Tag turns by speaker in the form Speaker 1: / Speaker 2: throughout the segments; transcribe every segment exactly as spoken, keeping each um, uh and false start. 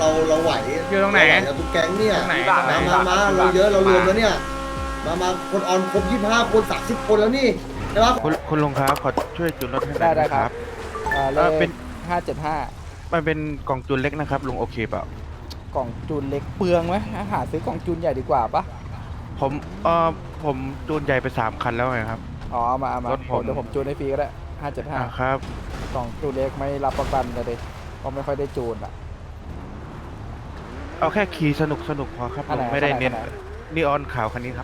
Speaker 1: เราเราไหว
Speaker 2: อยู่ตรงไหน
Speaker 1: เราทุกแก๊งเนี่ย
Speaker 2: ตรงไหน
Speaker 1: มามามาเราเยอะเรารวมแล้วเนี่ยมามาคนออนครบยี่สิบห้าคนสามสิบคนแล้วนี่ใช่ปะ
Speaker 3: คุณคุณลุงครับขอช่วยจูนรถให้หน่
Speaker 4: ได้
Speaker 3: อย
Speaker 4: ได้
Speaker 3: นะ
Speaker 4: ค
Speaker 3: ค
Speaker 4: รั
Speaker 3: รั
Speaker 4: บบ อ่าเล
Speaker 3: เออ
Speaker 4: ข
Speaker 3: เป็น
Speaker 4: ห้าเจ็ดห้า
Speaker 3: มันเป็นกล่องจูนเล็กนะครับลุงโอเคเปล่าก
Speaker 4: ล่องจูนเล็กเปลืองไหมหาซื้อกล่องจูนใหญ่ดีกว่าปะ
Speaker 3: ผมเออผมจูนใหญ่ไปสามคันแล้วไงครับ
Speaker 4: อ๋อเอามาเอามาร
Speaker 3: ถผม
Speaker 4: เดี๋ยวผมจูนให้ฟรีก็ได้ห้าเจ็ดห้า
Speaker 3: อ่าครับ
Speaker 4: กล่องจูนเล็กไม่รับประกันเลยเพราะไม่ค่อยได้จูนอ่ะ
Speaker 3: เอาแค่ขี่สนุกสนุกพอครับ
Speaker 4: อัน
Speaker 3: ลุ
Speaker 4: ไหน
Speaker 3: งไม่ได้
Speaker 4: อันไหน
Speaker 3: เน้น
Speaker 4: อันไหน
Speaker 3: นีออนขาวคันนี้ครับ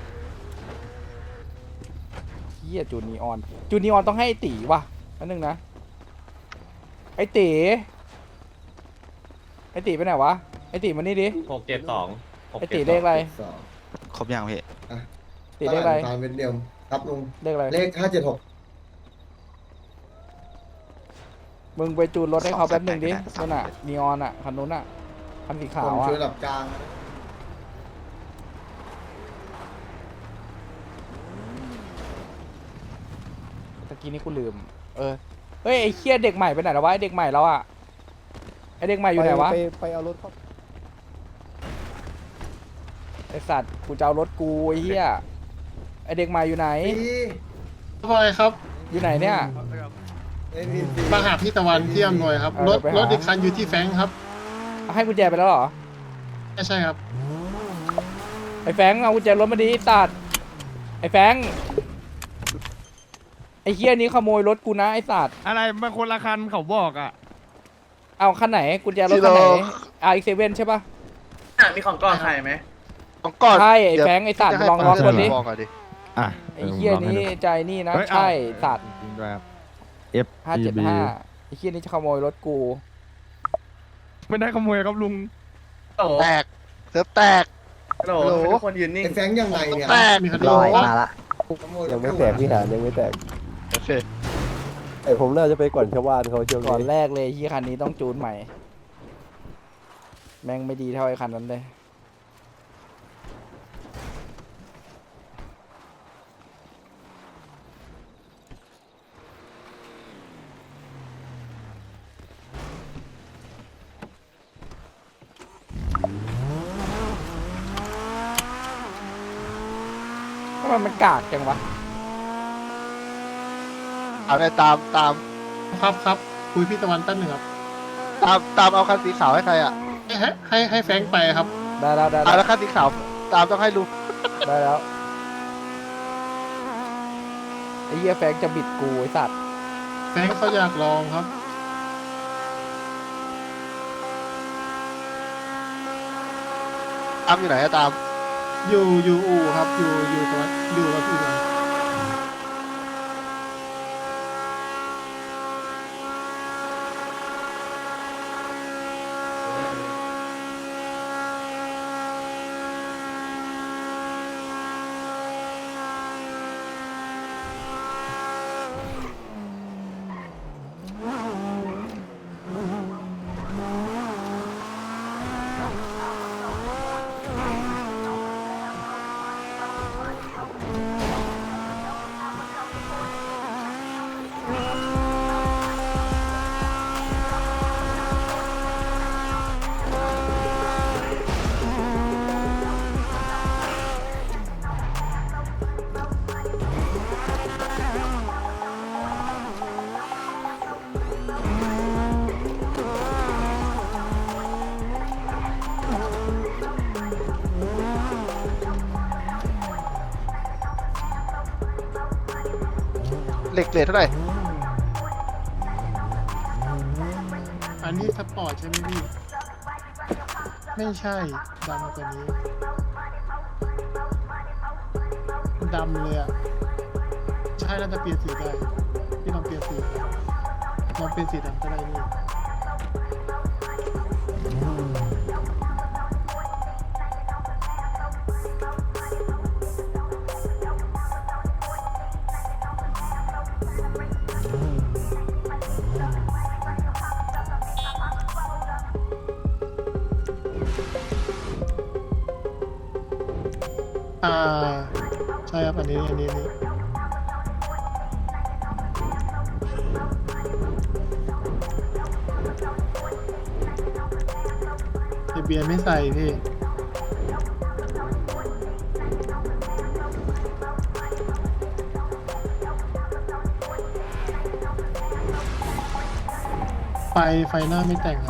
Speaker 4: เฮียจูนนีออนจูนนีออนต้องให้ไอ้ตีว่ะอันนึงนะไอตีไอตีไปไหนวะไอตีมานี่ดิ
Speaker 5: หกเจ็ดสอง
Speaker 4: ไอตีเลขอะไร
Speaker 1: สอง
Speaker 6: ครบยังพี่
Speaker 4: ตีเลขอะไร
Speaker 1: ตามเป็นเดียวครับลุง
Speaker 4: เลขอะไร
Speaker 1: เลขห้าเจ็ดหก
Speaker 4: มึงไปจูนรถให้เขาแป๊บหนึงดิ
Speaker 6: สอง
Speaker 4: นั่น
Speaker 6: แปด
Speaker 4: น่ะนีออนอ่ะคันนู้นอ่ะคันสีขา
Speaker 1: ผ
Speaker 4: ว
Speaker 1: ม
Speaker 4: อ่ะ
Speaker 1: ช่วยหลับกลาง
Speaker 4: ตะกี้นี้กูลืม เออ เฮ้ยไอ้เคียเด็กใหม่ไปไหนแล้ววะไอ้เด็กใหม่แล้วอะไอ้เด็กใหม่อยู่ไหนวะ
Speaker 7: ไปไปเอารถเขา
Speaker 4: ไอ้สัตว์กูจะเอารถกูไอ้เหี้ยไอ้เด็กใหม่อยู่ไหน
Speaker 1: พี่
Speaker 8: อะไรครับ
Speaker 4: อยู่ไหนเนี่ย
Speaker 1: เอ็นพีซี
Speaker 8: มาหาพี่ตะวันที่อำนวยครับ
Speaker 4: เออ
Speaker 8: รถ
Speaker 4: เดี๋ยวไปหาร
Speaker 8: ถอีกคันอยู่ที่แฟรงค์ครับ
Speaker 4: เอาให้กุญแจไปแล้วเหรอ
Speaker 8: ไม่ใช่ครับ
Speaker 4: ไอ้แฟงเอากุญแจรถมาดิไอ้สัตว์ไอ้แฟงไอ้เหี้ยนี้ขโมยรถกูนะไอ้สัตว์
Speaker 2: อะไรมันคนละคันเขาบอกอ่ะ
Speaker 4: เอาคันไหนกุญแจรถคันไหนอาร์เอ็กเซเว่นใช่ปะ
Speaker 5: มีของก้อนใครไหม
Speaker 6: ต้องก่อน
Speaker 4: ใช่ไอ้แฟงไอ้สัตว์ลองลองคนดิ
Speaker 6: บอกก่อนดิ
Speaker 3: อ่ะ
Speaker 4: ไอ้เหี้ยนี้ใจนี่นะ
Speaker 2: เฮ้ยเอา
Speaker 4: ใช่สัตว์
Speaker 3: จริงด้วยครับ F
Speaker 4: ห้าเจ็ดห้าไอ้เหี้ยนี้จะขโมยรถกู
Speaker 2: ไม่ได้ขโมยครับลุง
Speaker 5: โอ้โห
Speaker 6: แตกเซิร์ฟแตก
Speaker 5: โหลทุกคนยืนนิ่ง
Speaker 1: ไอ้แฟงยังไงเนี่ย
Speaker 6: แตก
Speaker 8: มีคดี
Speaker 7: ลอย
Speaker 8: ว่า
Speaker 7: มาละยังไม่แตกพี่หานยังไม่แตก
Speaker 6: โอเค
Speaker 7: ไอผมน่าจะไปก่อนชาวบ้านเขาช่วง
Speaker 4: ก่อน
Speaker 7: นี้
Speaker 4: แรกเลยที่คันนี้ต้องจูนใหม่ แม่งไม่ดีเท่าไอ้คันนั้นเลย ทำไมมันกากจังวะ
Speaker 6: เอาไปตามตาม
Speaker 8: ครับครับคุยพี่ตะวันแป๊บหนึ่งครับ
Speaker 6: ตามตามเอาคันสีขาวให้ใครอ่ะ
Speaker 8: ให้ให้ให้แฟรงค์ไปครับ
Speaker 4: ได้แล้วได้
Speaker 6: เอา
Speaker 4: แล้ว
Speaker 6: แล้วคันสีขาวตามต้องให้ลุง
Speaker 4: ได้แล้ว ไอ้เหี้ยแฟงจะบิดกูไอ้สัตว์
Speaker 8: แฟรงค์เขาอยากลองครับ
Speaker 6: ตามอยู่ไหนอะตาม
Speaker 8: อยู่อยู่อู่ครับอยู่อยู่ตะวันอยู่กับพี่ตะวัน
Speaker 6: เหล็กเลทเท่าไหร่
Speaker 8: อันนี้สปอร์ตใช่ไหมพี่ไม่ใช่ดำกว่านี้ดำเลยอ่ะใช่น่าจะเปลี่ยนสีได้พี่ลองเปลี่ยนสีลองเปลี่ยนสีดำก็ได้นี่ อ่าใช่ครับอันนี้อันนี้อันนี้ทะเบียนไม่ใส่พี่ไฟไฟหน้าไม่แต่งครับ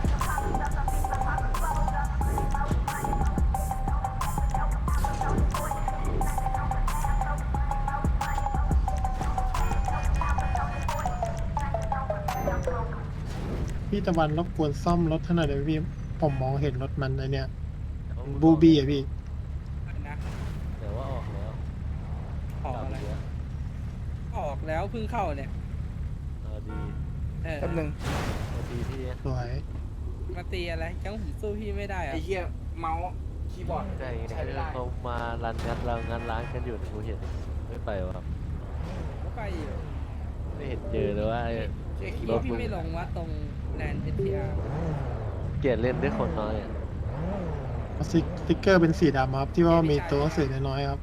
Speaker 8: พี่ตะวันรบกวนซ่อมรถให้หน่อยเดี๋ยวพี่ผมมองเห็นรถมันไอเนี่ยบูบี้อะพี่
Speaker 9: นะ
Speaker 7: เดี๋ยวว่าออกแล้ว
Speaker 9: ออกอะไรออกแล้วเพิ่งเข้าเนี่ย
Speaker 7: เออดี
Speaker 9: เออ
Speaker 4: แป๊บนึง
Speaker 7: เออดีที่
Speaker 8: สวย
Speaker 9: มาตีอะไรจังผมสู้พี่ไม่ได้อะ
Speaker 4: ไอ้เหี้ยเมาส์คีย์บอร์ด
Speaker 7: ใช่
Speaker 4: ใช้ไม่ได้
Speaker 7: เขามารันงัดเรางัดร้านกันอยู่กูเห็นไม่ไปวะ
Speaker 9: ก็ไปอยู่
Speaker 7: ไม่เห็นเจอเลยว่า
Speaker 4: เจ๊คีย์บ
Speaker 9: พี่
Speaker 4: อร์ด
Speaker 9: พี่ไม่ลงว่าตรงแลนด์เอทีอาร์
Speaker 7: เกลียดเล่นด้วยคนน้อยอ่ะ
Speaker 8: สติ๊กเกอร์เป็นสีดำครับที่ว่ามีตัวหนังสือน้อยๆครับ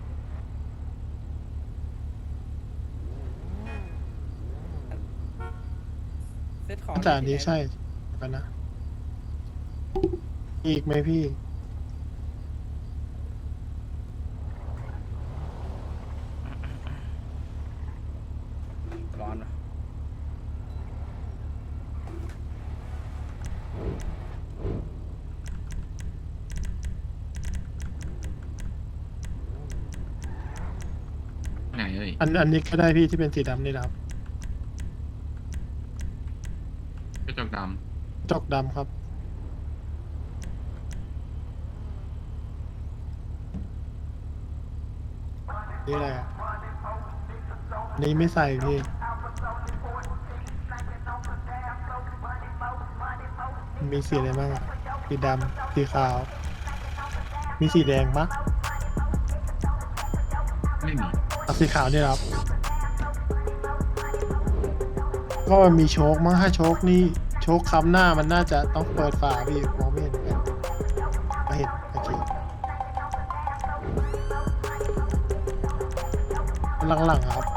Speaker 9: เซตของ
Speaker 8: อาจารย์นี้ใช่กันนะ อีกไหมพี่
Speaker 4: ร้อนเหรอ
Speaker 2: ไหนเอ้ย
Speaker 8: อันอันนี้ก็ได้พี่ที่เป็นสีดำนี่นะครับ
Speaker 2: กระจกด
Speaker 8: จกดำครับ นี่อะไรอ่ะอันนี้ไม่ใส่พี่ มีสีอะไรบ้างอ่ะ สีดำ สีขาว มีสีแดงปะ
Speaker 2: ำไม่มี
Speaker 8: เอาสีขาวนี่ครับ ก็มันมีโชคมั้งถ้าโชคนี่โชคคำหน้ามันน่าจะต้องเปิดฝาพี่มองไม่เห็นกันไม่เห็นโอเคหลังๆครับ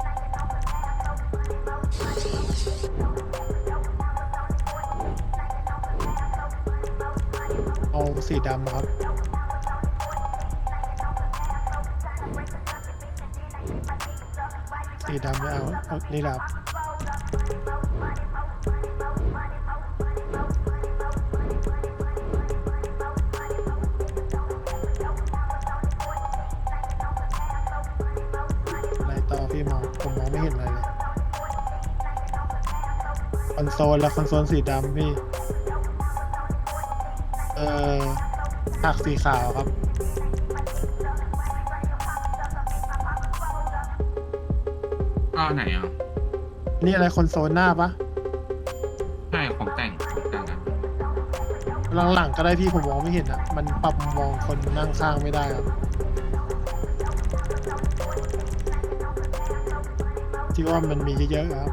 Speaker 8: เอาสีดำครับ สีดำไม่เอาเอานี่แหละครับอะไรต่อพี่มองผมมองไม่เห็นอะไรเลยคอนโซลและคอนโซลสีดำพี่ เอ่อหักสีขาวครับ
Speaker 2: อ้าวไหนอ่ะ
Speaker 8: นี่อะไรคอนโซลหน้าปะ
Speaker 2: ใช่ของแต่งของแต่งอ่ะ
Speaker 8: หลังๆก็ได้พี่ผมมองไม่เห็นอ่ะ มันปรับมุมมองคนนั่งข้างไม่ได้ครับ ที่ว่ามันมีเยอะๆครับ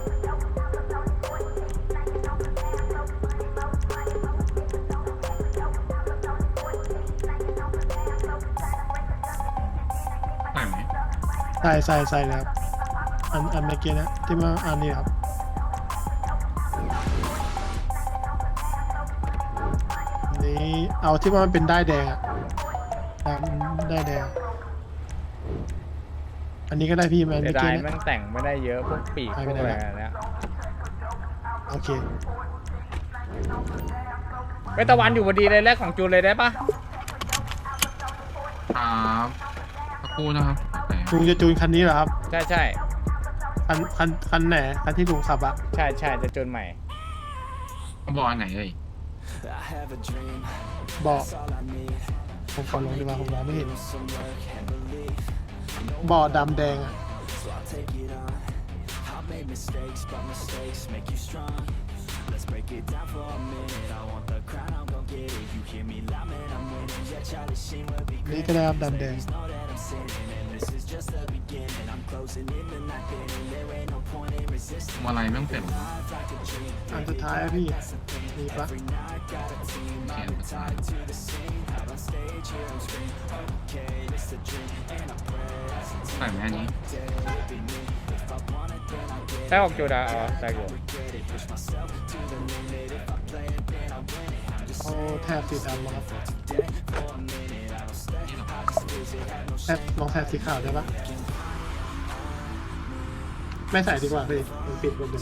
Speaker 2: ใส่ไหม
Speaker 8: ใส่ใส่ใส่เลยครับ อันอันเมื่อกี้นะที่มาอันนี้ครับ อันนี้เอาที่ว่ามันเป็นได้ายแดงอะดำได้ายแดง อันนี้ก็ได้พี่มัน
Speaker 4: เสี
Speaker 8: เมื่
Speaker 4: ย
Speaker 8: อ
Speaker 4: ดา
Speaker 8: กี้
Speaker 4: ย
Speaker 8: นะ
Speaker 4: แม่งแต่งไม่ได้เยอะพวกปีกพวกอะไรอันเนี้ย
Speaker 8: โอเค
Speaker 4: ไปตะวันอยู่พอดีเลยแรกของจูนเลยได้ปะ
Speaker 2: ครับสักครู่นะครับไหน
Speaker 8: ลุงจะจูนคันนี้เหรอครับ
Speaker 4: ใช่ใช่
Speaker 8: คันคันคันไหนคันที่ลุงขับอะ
Speaker 4: ใช่ใช่จะจูนใหม่
Speaker 2: เขาบอกอันไหนเอ้ย
Speaker 8: บอกผมขอลงดีกว่าผมมองไม่เห็นบ่อดำแดงอะ นี่ก็ได้ครับดำแดง
Speaker 2: มาอะไรไม่ต้องเต็ม
Speaker 8: อันสุดท้ายอะพี่มีปะ
Speaker 2: เขียนภาษา ใส่ไหมอันนี้
Speaker 4: ใช่ของจูนอะอ๋อใช่อยู่
Speaker 8: เอาแถบสีดำมาครับ
Speaker 2: นี่หรอ
Speaker 8: แถบลองแถบสีขาวได้ปะไม่ใส่ดีกว่าพี่มันปิดหมดเลย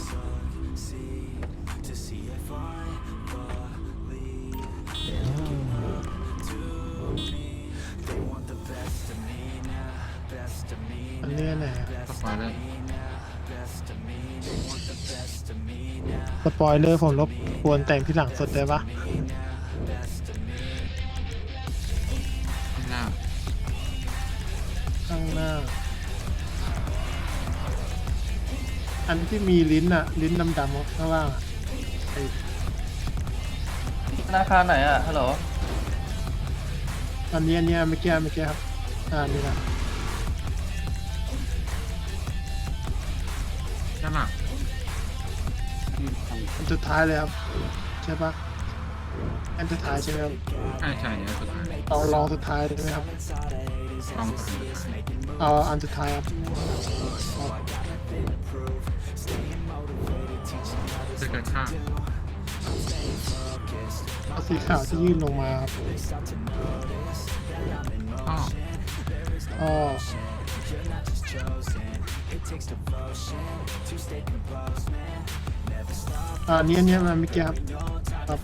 Speaker 8: อันนี้อันไหนอะ
Speaker 2: สปอยเลย
Speaker 8: สปอยเลอร์ผมรบกวนแต่งที่หลังสุดได้ปะ
Speaker 2: ข้างหน้า
Speaker 8: ข้างหน้า อันที่มีลิ้นอะลิ้นดำๆข้างล่างอะไอ้
Speaker 5: ธนาคารไหนอ่ะ ฮัลโหล
Speaker 8: อันนี้อันนี้อันเมื่อกี้อันเมื่อกี้ครับอ่านี่นะ
Speaker 2: ด้านหลัง
Speaker 8: อันสุดท้ายเลยครับใช่ปะอันสุดท้ายใช่ไหมครับ
Speaker 2: ใช่ใช่เนี่ยสุดท้าย
Speaker 8: เอาลองสุดท้ายได้ไหมครับ
Speaker 2: ลองสุดท้าย
Speaker 8: เอาอันสุดท้ายครับเอา
Speaker 2: จะเกิดข้าง
Speaker 8: เอาสีขาวที่ยื่นลงมาครับ
Speaker 2: อ้อ
Speaker 8: อ๋ออ่าอันนี้อันนี้มันเมื่อกี้ครับครับ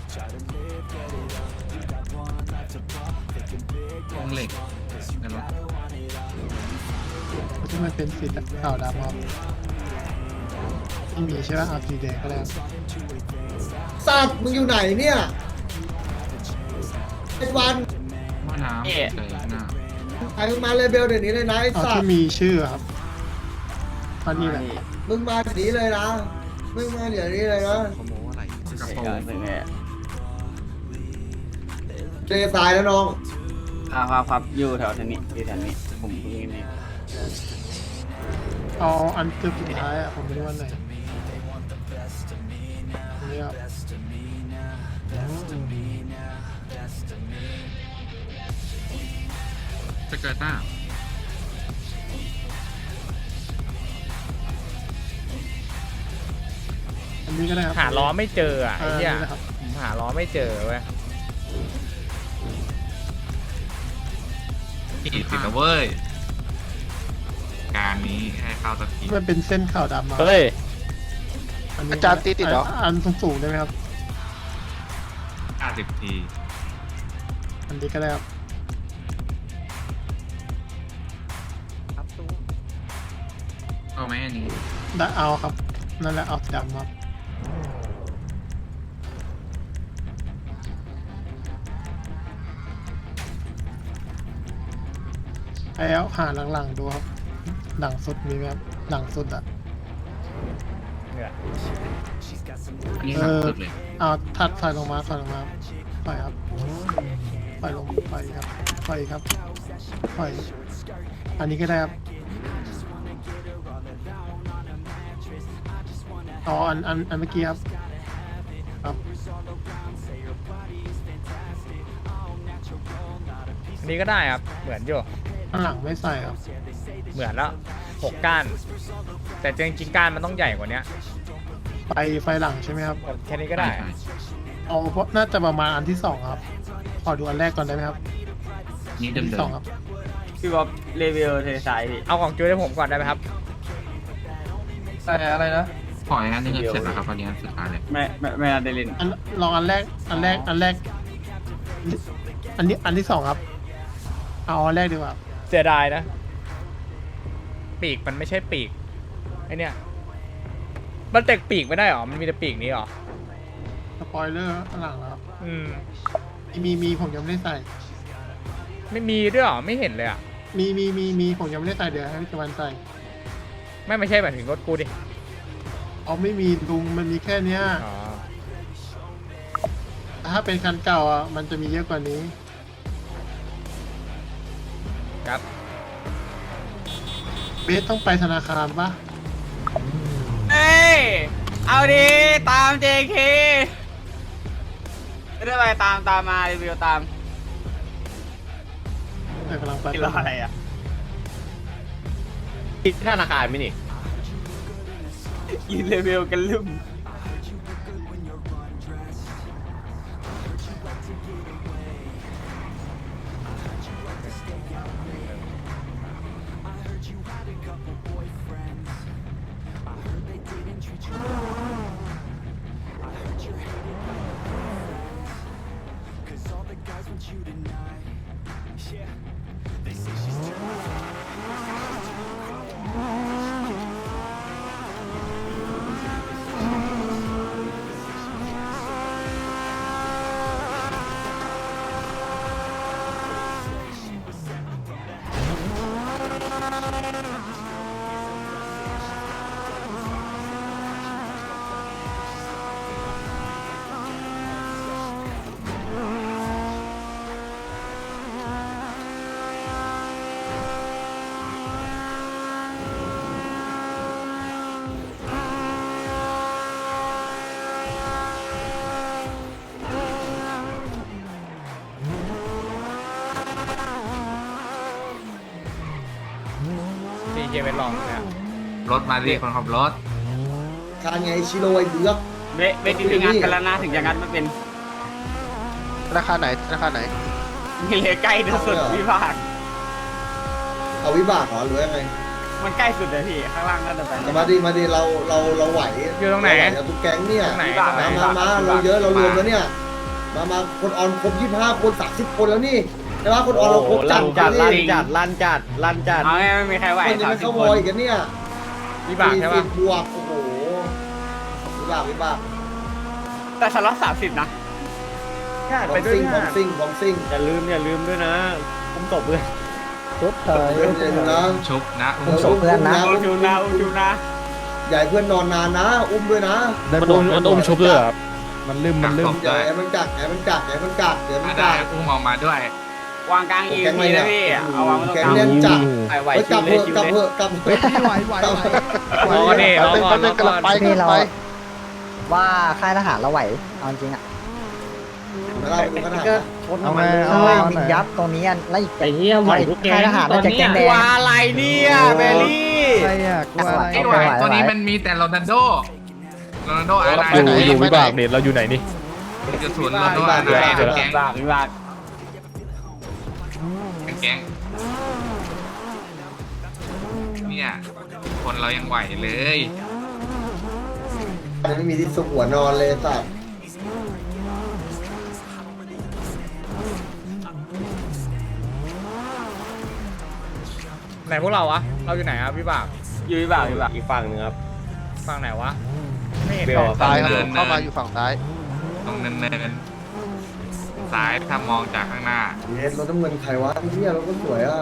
Speaker 2: วงเหล็กในรถ
Speaker 8: ที่มันเป็นสีขาวดำครับที่มีใช่ไหมเอาสีแดงก็ได้ครับ
Speaker 1: สัตว์มึงอยู่ไหนเนี่ยไอ้วัน
Speaker 2: หม้อน้ำเจอข้างหน้า
Speaker 1: ไอ้มึงมาเลยเบลเดี๋ยวนี้เลยนะไอ้
Speaker 8: เอา
Speaker 1: สัต
Speaker 8: ที่
Speaker 1: ว์
Speaker 8: มีชื่อครับอันนี้แหละ
Speaker 1: มึงมาเดี๋ยวนี้เลยนะมึงมาเดี๋ยวนี้เลยนะ
Speaker 2: กระโปรง
Speaker 1: เจตายแล้วน้อง
Speaker 5: ครับครับครับอยู่แถวแถวนี้อยู่แถวนี้ ผมเพิ่งนี่
Speaker 8: เอาอันสุดท้ายอ่ะผมไม่รู้ว่าไหนอันนี้ครับ
Speaker 2: จะเกิดหน้า
Speaker 8: อันนี้ก็ได้ครับ
Speaker 4: หาล้อไม่เจออ่ะไอ้
Speaker 8: อ่า
Speaker 4: เหี้ย
Speaker 8: นี่นะครับ
Speaker 4: ผมหาล้อไม่เจอเว้ย
Speaker 2: อีกสิบเว้ยการนี้ให้เข้าสักที
Speaker 8: มันเป็นเส้นขาวดำมา
Speaker 7: เฮ้ย
Speaker 8: นนี้
Speaker 6: อาจารย์ตีติดเหรอ
Speaker 8: อันสูงๆได้ไหมครับ
Speaker 2: ห้าสิบที
Speaker 8: อันนี้ก็ได้ครับ
Speaker 2: เอาไหมอันนี้
Speaker 8: ได้เอาครับ นั่นแหละเอาสีดำครับไอ้เอาหาหลังๆดูครับ หลังสุดมีไหมครับ หลังสุดอ่ะ
Speaker 4: เนี่ย
Speaker 2: อันนี้หนักสุดเลย
Speaker 8: เอาทัดไฟลงมาไฟลงมาไฟครับไฟลงไฟครับไฟครับไฟอันนี้ก็ได้ครับอ๋ออันอันอันเมื่อกี้ครับครับ
Speaker 4: อันนี้ก็ได้ครับเหมือนอยู่
Speaker 8: ข้างหลังไม่ใส่ครับ
Speaker 4: เหมือนแล้วหกก้าน แต่จริงๆก้านมันต้องใหญ่กว่านี้
Speaker 8: ไฟไฟหลังใช่ไหมครับ
Speaker 4: แค่นี้ก็ได้
Speaker 2: ใช่
Speaker 8: เอาเพราะน่าจะประมาณอันที่สองครับขอดูอันแรกก่อนได้ไหมครับ
Speaker 2: นี่
Speaker 8: อั
Speaker 2: เดิ
Speaker 8: น
Speaker 2: ม
Speaker 8: ที่
Speaker 2: ๆ
Speaker 8: สองครับ
Speaker 5: พี่บ๊อบรีวิวเทสายดิ
Speaker 4: เอาของจุ้ยให้ผมก่อนได้ไหมครับ
Speaker 5: อะไรอะไรนะ
Speaker 2: ขออย่างนั้นนึงเสร็จแล้วครับอันนี้อันสุดท้ายเลย
Speaker 5: แม่แม่แม่เดลิน
Speaker 8: อันลองอันแรกอันแรกอันแรก อันนี้อันที่สองครับ เอาอันแรกดีกว่า
Speaker 4: เสียดายนะ ปีกมันไม่ใช่ปีกไอเนี่ยมันแตกปีกไม่ได้หรอมันมีแต่ปีกนี้หรอ
Speaker 8: สปอยเลอร์ข้างหลังครับ
Speaker 4: อืม
Speaker 8: มีมีผมยังไม่ได้ใส่
Speaker 4: ไม่มีด้วยหรอไม่เห็นเลยอ่ะ
Speaker 8: มีมีมีมีผมยังไม่ได้ใส่เดี๋ยวให้พี่ตะวันใส่
Speaker 4: ไม่ไม่ใช่หมายถึงรถกูดิ
Speaker 8: เอาไม่มีลุงมันมีแค่เนี้ย
Speaker 4: อ๋อ
Speaker 8: แต่ถ้าเป็นคันเก่าอ่ะมันจะมีเยอะกว่านี้
Speaker 4: ครับ
Speaker 8: เบสต้องไปธนาคารปะ
Speaker 5: เอ้ย เอาดิตาม เจ เค ไม่ได้ไปตามตามมารีวิวตาม
Speaker 8: เออกำลังไป
Speaker 5: กินรออะไรอ่ะ
Speaker 7: ที่ธนาคารไม่นี่
Speaker 5: ยินรีวิวกันลืม
Speaker 4: ดีเจเวทลองเนี่ย
Speaker 2: รถมาดิคนขับรถ
Speaker 1: การไงชิโร่ไอ้เบือก
Speaker 5: เวเวทีถึงงานกันแล้วนะถึงจะงานมันเป็น
Speaker 6: ธนาคารไหนธนาคารไหน
Speaker 5: มีเลยใกล้ที่สุดวิภาค
Speaker 1: เอาวิบากเหรอหรือยังไง
Speaker 5: มันใกล้สุดเลยพี่ข้างล่างนั่นแต่
Speaker 1: แต่มาดิมาดิเราเราเราไหว
Speaker 4: อยู่ตรงไหน
Speaker 1: เาวทุกแก๊งเนี่ย
Speaker 4: ตรงไหน
Speaker 1: มามามาเราเยอะเรารวมแล้วเนี่ยมามาคนออนครบยี่สิบห้าคนสามสิบคนแล้วนี่ใช่ปะคนออนเราครบจัด
Speaker 7: จัด
Speaker 1: จั
Speaker 7: ลั่
Speaker 1: ด
Speaker 7: นจัดลั่นจัดลั่นจัด
Speaker 5: เอาไงไม่มีใครไหว
Speaker 1: คนยัง
Speaker 5: สาม
Speaker 1: ไม่
Speaker 5: สิบ
Speaker 1: เข้า
Speaker 5: ค
Speaker 1: วอน ยกันเนี่ย
Speaker 4: วิบากใช่ปะ
Speaker 1: สี่สิบบวกโอ้โหวิบากวิบาก
Speaker 5: แต่ฉันรับสามสิบนะ
Speaker 1: บอมซิงบอมซิงบอมซิง
Speaker 7: อย่าลืมอย่าลืมด้วยนะคุ้มตบเพื่อน
Speaker 8: ชุดเถย
Speaker 1: เดี๋ยวเดี๋ยวนะ
Speaker 2: ชุบนะ
Speaker 1: เดี๋ยวอุ้มนะ
Speaker 5: อุ้มชูนะอุ้มชูนะ
Speaker 1: ใหญ่เพื่อนนอนนานนะ อุ้มด้วยนะ
Speaker 3: มันอุ้มมันอุ้มชุบเลยครับมันลืมมันลืม
Speaker 1: ใหญ่มันกัดใหญ่มันกัดใหญ่มันกัดเดี๋ยวมั
Speaker 2: มาน ได้
Speaker 1: กัด
Speaker 2: อุ้มออกมาด้วย
Speaker 5: วางกลางอีพีนะพี่เอาวางตรง
Speaker 1: แก
Speaker 5: กลาง
Speaker 1: เล่นจัด
Speaker 5: ไหว
Speaker 1: ไป
Speaker 5: ชิ
Speaker 1: กลั
Speaker 5: ว
Speaker 1: บ
Speaker 5: เล
Speaker 1: เถ
Speaker 5: ย
Speaker 1: อะ
Speaker 5: ชิว
Speaker 1: กลับ
Speaker 5: เลย
Speaker 1: เถอะกลับเถอะ
Speaker 8: ไหวไหวไหว
Speaker 4: รอกันดิรอก่อนรอก่อน
Speaker 6: ไปกำลังไป
Speaker 10: ว่าค่ายทหารเราไหวเอาจริงอ่ะ
Speaker 1: มาเล่าดูขนาด
Speaker 10: ก็ชนมันเลยยิงยับตรงนี้แล้วอีก
Speaker 7: ไอ้เหี้ยไหวทุกแก
Speaker 10: ค่ายทหารน่าจะแกงแดง
Speaker 5: ว่าอะไรเนี่ยเบลลี่
Speaker 8: ใครอ่ะกลัวอะไร
Speaker 2: ไอ้ไหวตัวนี้มันมีแต่โรนัลโดโรนัลโดอะไร
Speaker 6: อยู่อยู่วิบาก
Speaker 3: เนี่ยเราอยู่ไหนนี่
Speaker 2: จะสวนโรนัลโดอะไรแก๊ง
Speaker 5: บากวิบาก
Speaker 2: แก๊งเนี่ยคนเรายังไหวเลย
Speaker 1: จะไม่มีที่สุกหัวนอนเลยสัตว์
Speaker 4: ไหนพวกเราวะเราอยู่ไหนครับวิบาก
Speaker 5: อยู่วิบากวิบาก
Speaker 7: อีกฝั่งหนึ่งครับ
Speaker 4: ฝั่งไหนวะไม่เห็น
Speaker 7: เบล
Speaker 4: ออก
Speaker 6: ซ้ายครับเข้ามาอยู่ฝั่งซ้าย
Speaker 2: ตรงเนินๆซ้ายถ้ามองจากข้างหน้า
Speaker 1: เย็นรถน้ำเงินใครวะไอ้เนี่ยรถก็สวยอ่ะ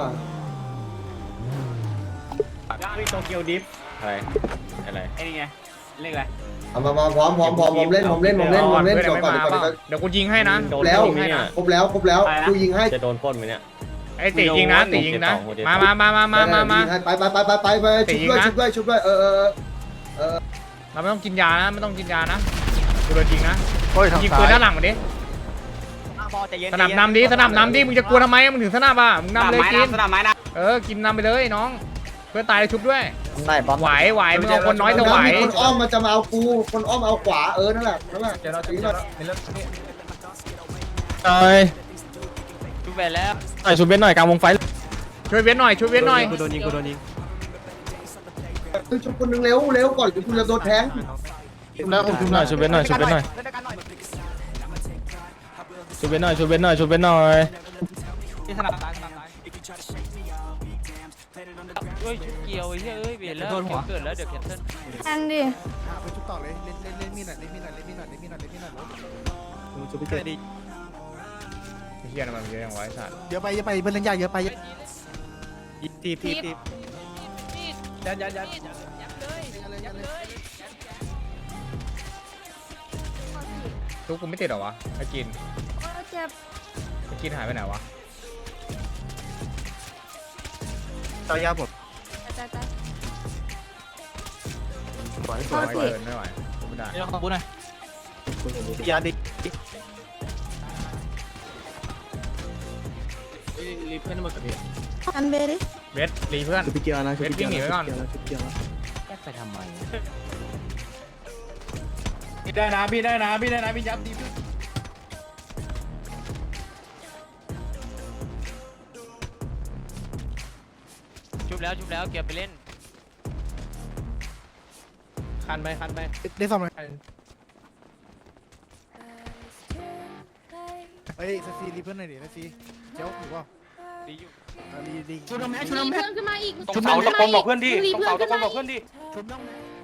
Speaker 7: มีโตเกียวดิฟอะไรอะไร
Speaker 5: ไอ้นี่ไงเรียกอะไร
Speaker 1: เอามามาพร้อมพร้อมพร้อมผมเล่นผมเล่นผมเล่นผมเล่น
Speaker 4: พื่อ
Speaker 1: จบก่อน
Speaker 4: ไม่
Speaker 1: เดี๋ยวก่อน
Speaker 4: มา
Speaker 1: เดี๋ยวก่อน
Speaker 4: เดี๋ยวกูยิงให้นะ
Speaker 7: โดน
Speaker 1: แล้ว
Speaker 7: ปล้นไหมเนี่ย
Speaker 1: ครบแล้วครบแล้วกูยิงให้
Speaker 7: จะโดนปล้นไหมเนี่ย
Speaker 4: ไอ้ตียิงนะตียิงนะมามามามามามามา
Speaker 1: ยิงให้ไปไปไปไปไปไปชุบด้วยชุบด้วยชุบด้วยเออเออเออ
Speaker 4: เราไม่ต้องกินยานะไม่ต้องกินยานะกูโดนยิงนะ
Speaker 6: โอ้ยทาง
Speaker 4: ยิง
Speaker 6: ซ้า
Speaker 4: ปืน
Speaker 6: ย
Speaker 4: ด้านหลังมาดิสนับนำดิสนับนำดิมึงจะกลัวทำไมมึงถึงสนับอ่ะมึง
Speaker 5: สนาม
Speaker 4: นำเลย
Speaker 5: ไม้
Speaker 4: กิน
Speaker 5: นะสนามไม้นะ
Speaker 4: เออกินนำไปเลยน้องเพื่อนตายเลยชุบด้วย
Speaker 10: ได้บอม
Speaker 4: ไหวไหวมึงเอาคนน้อยแต่ไหว
Speaker 1: มีคนอ้อมมันจะมาเอากูคนอ้อมเอาขวาเออนั่นแหละนั่นแหละเดี๋ยวเราจะยิง
Speaker 3: หน่อย
Speaker 5: ชุบไปแล้ว
Speaker 3: หน่อยชุบเบนหน่อยกลางวงไฟ
Speaker 4: ช่วยเว้นหน่อยช่วยเว้นหน่อย
Speaker 7: กูโดนยิงกูโดนยิง
Speaker 1: ชุบคนนึงเร็วเร็วก่อนเดี๋ยวคุณจะโดนแทง
Speaker 6: แล้วผมชุบ
Speaker 3: หน่อยชุบเบนหน่อยชุบเบนหน่อยชุบเบนหน่อยชุบเบนหน่อยชุบเบนหน่อย
Speaker 5: ที่สนามซ้ายสนามซ้าย
Speaker 7: เฮ้ยชุดเกียวไอ้เหี้ยเอ้ยเบียดแล้วเกิดแล้วเดี๋ยวแคนเซิล
Speaker 11: แอนดิ
Speaker 8: ไปชุบต่อเลยเล่นเล่นเล่นมีดหน่อยเล่นมีดหน่อยเล่นมีดหน่อยเล่นมีดหน่อยเล่นมีดหน่อย
Speaker 7: ชุบไปเกิดดี
Speaker 4: เฮียมันเยอะอย่างไวสัตว์
Speaker 8: เยอะไปเยอะไปเบิ้ลเล่นยากเยอะไป
Speaker 7: ทีบทีบทีบยันยันยัน
Speaker 4: ทุกกูไม่ติดหรอวะไอ้กิน
Speaker 11: โอ้เจ็บ
Speaker 4: ไอ้กินหายไปไหนวะ
Speaker 6: ต่อยาผม
Speaker 11: ตายตาย
Speaker 4: ไม่ไหวเกินไม่ไหวไม่ได้
Speaker 5: เดี๋ยวขอพูดหน่อย
Speaker 6: ยาดิ
Speaker 5: รีบเพื่อนมากับพี่
Speaker 11: อันเบดิ
Speaker 4: เวทรีเพื่อนเวทวิ่งหนีไปก่อน
Speaker 7: ไปทำไม
Speaker 5: พี่ได้นะพี่ได้นะพี่ได้นะพี่ยับดีพี่
Speaker 7: ชุบแล้วชุบแล้วเกียร์ไปเล่น
Speaker 4: คันไปคันไป
Speaker 8: ได้ซ่อมไหมเฮ้ยซัซีรีเพื่อนหน่อยดิซัซีเจ้าถูกป่ะ
Speaker 7: ดีอยู่
Speaker 8: รีดี
Speaker 5: ชุบน้ำแม่ชุบ
Speaker 11: มี
Speaker 5: น้ำแม่
Speaker 11: เพื่อนขึ้นมาอีก
Speaker 5: ตรงเสาตะโกนบอกเพื่อนดิตรงเสาตะโกนบอกเพื่อนดิ
Speaker 8: ชุบน้อง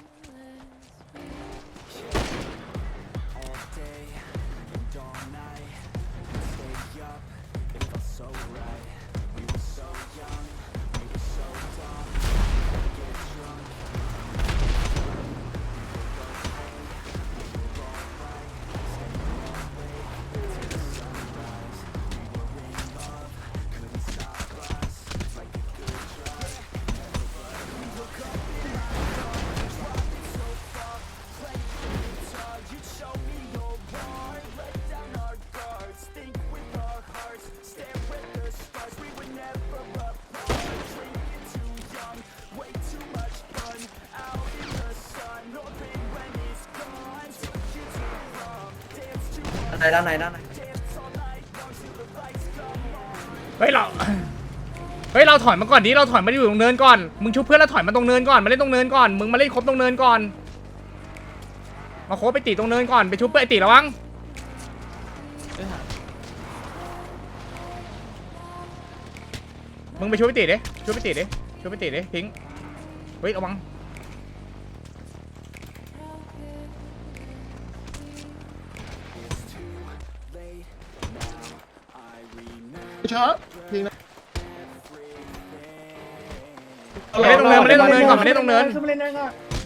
Speaker 10: ไหนด้านไหนด้านไหน
Speaker 4: เฮ้ยเราเฮ้ยเราถอยมาก่อนดิเราถอยมาอยู่ตรงเนินก่อนมึงชุบเพื่อนแล้วถอยมาตรงเนินก่อนมาเล่นตรงเนินก่อนมึงมาเล่นครบตรงเนินก่อนมาโคบไปตีตรงเนินก่อนไปชุบเพื่อนไอตีระวังมึงไปชุบไปตีดิชุบไปตีดิชุบไปตีดิพิงค์เฮ้ยระวัง
Speaker 8: เช้ายิงนะ
Speaker 4: มาเล่นตรงเนินมาเล่นตรงเนินก่อนมาเล่นตรงเนิน
Speaker 8: ขึ้นมาเล่นได้ก็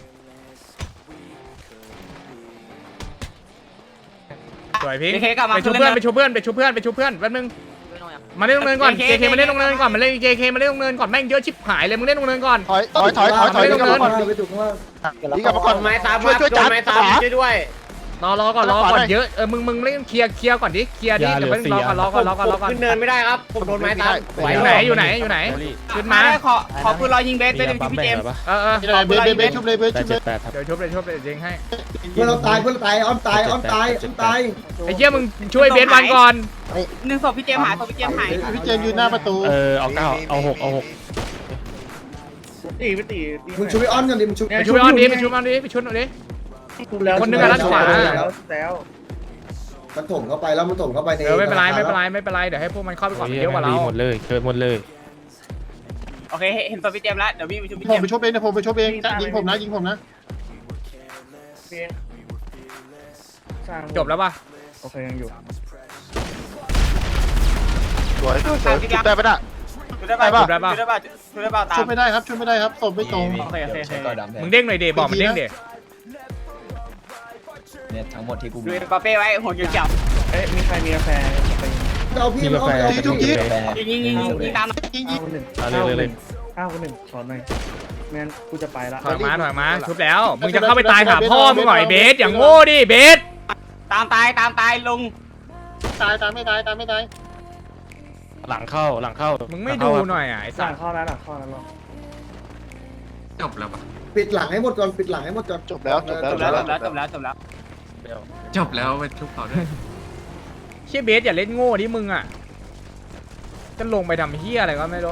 Speaker 4: สวยพิงค์
Speaker 5: เคกลับมา
Speaker 4: ไปชุบเพื่อนไปชุบเพื่อนไปชุบเพื่อนไปชุบเพื่อนแป๊บนึงมาเล่นตรงเนินก่อน
Speaker 5: เค
Speaker 4: เจ
Speaker 5: เค
Speaker 4: เคมาเล่นตรงเนินก่อนมาเล่นเจเคมาเล่นตรงเนินก่อนแม่งเยอะชิบหายเลยมึงเล่นตรงเนินก่อน
Speaker 6: ถอยถอยถอยถอยถอย
Speaker 4: ไม่ต้อง
Speaker 6: กลับมาก่อน
Speaker 1: ไปถูกข้างล่าง
Speaker 6: ดีกลับมาก่อน
Speaker 5: ไม้ตาม
Speaker 6: ช่วยช่วยจัดขวา
Speaker 5: ช่วยด้วย
Speaker 4: รอรอก่อนรอก่อนเยอะเออมึงมึงเล่นเคลียร์เคลียร์ก่อนดิเคลียร์ดิเดี๋ยวมึงรอก่อนรอก่อนรอก่อนรอก่อน
Speaker 5: ขึ้นเนินไม่ได้ครับผมโดนไม้ตาม
Speaker 4: อยู่ไหนอยู่ไหนอยู่ไหนขึ้นมา
Speaker 5: ขอขอปืนรอยิงเบสเป็นพี่เจมส์
Speaker 4: เออเออ
Speaker 8: เบสเบสเบสชุบเลยเบสชุบเลย
Speaker 4: เดี๋ยวชุบเลยชุบเลยยิงให้
Speaker 1: เพื่อนเราตายเพื่อนเราตายอ้อมตายอ้อมตายอ้อมตาย
Speaker 4: ไอ้เหี้ยมึงช่วยเบสวันก่อน
Speaker 5: หนึ่งศพพี่เจมส์หายศพพี่เจมส์หาย
Speaker 8: พี่เจมยืนหน้าประตู
Speaker 3: เออเอาเก้าเอาหกเอาหก
Speaker 1: มึงช่วยอ้อนกันดิมึงช่วย
Speaker 4: ไปช่วยออนดิไปช่วยออนดิไปช่วยหน่อยดิคนหนึงอะด้านขวา
Speaker 1: มันถมเข้าไปแล้วมันถมเข้าไปใน
Speaker 4: เออไม่เป็นไรไม่เป็นไรไม่เป็นไรเดี๋ยวให้พวกมันเข้าไปก่อนมันเยอะกว่าเรา
Speaker 3: หมดเลยเกิดหมดเลย
Speaker 5: โอเคเห็นศพพี่เจมส์แล้วเดี๋ยวพี่ไปช่วยพี่
Speaker 8: ผ
Speaker 5: เจ
Speaker 8: ม
Speaker 5: ม
Speaker 8: ไป
Speaker 5: ส์
Speaker 8: ชุบเองนะผมไปชุบเองยิงผมนะยิงผมนะ
Speaker 4: จบแล้วป่ะ
Speaker 6: สวยสวยชุบได้ปะน่ะ
Speaker 5: ช่วยได้ป่ะช่วยได้ป่ะช่วยได้ป่ะตา
Speaker 8: ชุ
Speaker 5: ม
Speaker 8: บไม่ได้ครับชุบไม่ได้ครับศพไม่ตรง
Speaker 5: โอเคโอเคโอเค
Speaker 4: มึงเด้งหน่อยดิบอกมันเด้งดิ
Speaker 10: เนี่ยทั้งหมดที่กู
Speaker 5: ดูปาเป้ไว้หัวเขียว
Speaker 1: เอาพี่มันอ้อมเอา
Speaker 8: ชุบ
Speaker 1: พี่
Speaker 8: ยิง
Speaker 5: ๆยิงยิงยิงยิงตาม
Speaker 8: ยิงยิง
Speaker 3: เอาเลยเลยเลย
Speaker 4: ถอยมาถอยมาชุบแล้วมึงจะเข้าไปตายหาพ่อมึงหน่อยเบสอย่างโง่ดิเบส
Speaker 5: ตามตายตามตายลง
Speaker 8: ตายตายไม่ตายตายไม่ตาย
Speaker 3: หลังเข้าหลังเข้า
Speaker 4: มึ
Speaker 3: มึ
Speaker 4: งไม่ดูหน่อยอ่ะไอ้สัตว์
Speaker 2: จบแล้วปะ
Speaker 1: ปิดหลังให้หมดก่อนปิดหลังให้หมดก่อน
Speaker 6: จบแล้วจบแล้ว
Speaker 5: จบแล้วจบแล้วจบแล้วจบแล้ว
Speaker 2: จบแล้วไปทุบเขาด้วย
Speaker 4: เชี่ยเบสอย่าเล่นโง่ดิมึงอ่ะจะลงไปทำเฮียอะไรก็ไม่รู้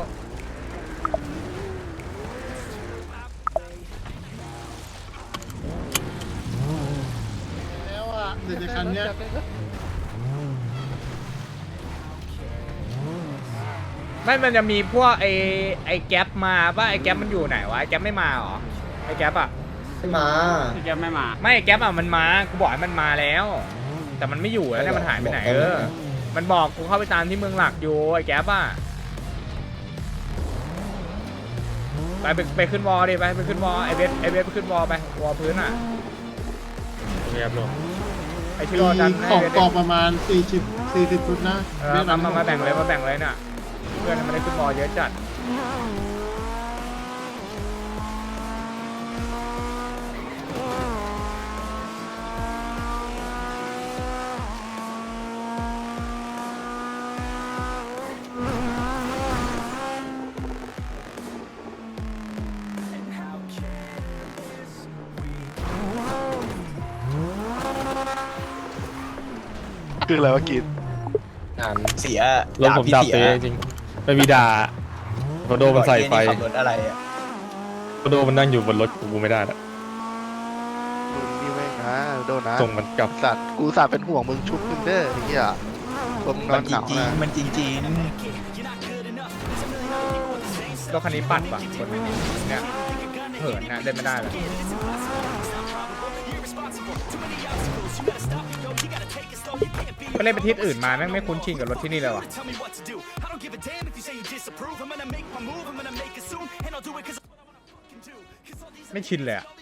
Speaker 8: แล้วอ่ะเดี๋ยวคันเนี้ย
Speaker 4: ไม่มันจะมีพวกไอ้ไอ้แก๊ปมาป่ะไอ้แก๊ปมันอยู่ไหนวะไอ้แก๊ปไม่มาเหรอไอ้แก๊ปอ่ะ
Speaker 1: ไม่มา
Speaker 5: พี่เจมส์ไม่มา
Speaker 4: ไม่ไอ้แก๊ปอ่ะมันมากูบอกให้มันมาแล้ว แต่มันไม่อยู่แล้วเนี่ยมันหายไปไหนเออมันบอกกูเข้าไปตามที่เมืองหลักอยู่ไอ้แก๊ปอ่ะไปไปไปขึ้นวอลดิไปไปขึ้นวอลไอ้เบสไอ้เบสไปขึ้นวอลไปวอลพื้นอ่ะ
Speaker 3: เรียบร้อย
Speaker 4: ไอ้ที่
Speaker 8: มี
Speaker 4: รอดัน
Speaker 8: ของ
Speaker 4: ให้เบส
Speaker 8: กองประมาณสี่สิบสี่สิบฟุตนะ
Speaker 4: เออมามามาแบ่งเลยมาแบ่งเลยน่ะเพื่อนมันได้ขึ้นวอลเยอะจัด
Speaker 6: คืออะไรวะกิน
Speaker 3: งาน
Speaker 10: เสีย
Speaker 3: รถผมดับเลยจริงไม่มีด่าไป
Speaker 12: โดมันใส่ไฟ
Speaker 5: ขับรถอะไรอ่ะ
Speaker 12: โดมันนั่งอยู่บนรถกูไม่ได้ละ
Speaker 6: นี่แม่งนะโดนนะ
Speaker 12: ส่งมันกลับ
Speaker 6: สัตว์กูสัตว์เป็นห่วงมึงชุบมึงเด้อไอ้เหี้ยผมนอนหนาวนะ
Speaker 5: มันจริงจริง
Speaker 4: รถคันนี้ปัดว่ะคนเนี่ยเหินนะเล่นไม่ได้เลยก็เล่นไปทิศอื่นมาแม่งไม่คุ้นชินกับรถที่นี่เลยว่ะไม่ชินเลยอ่ะ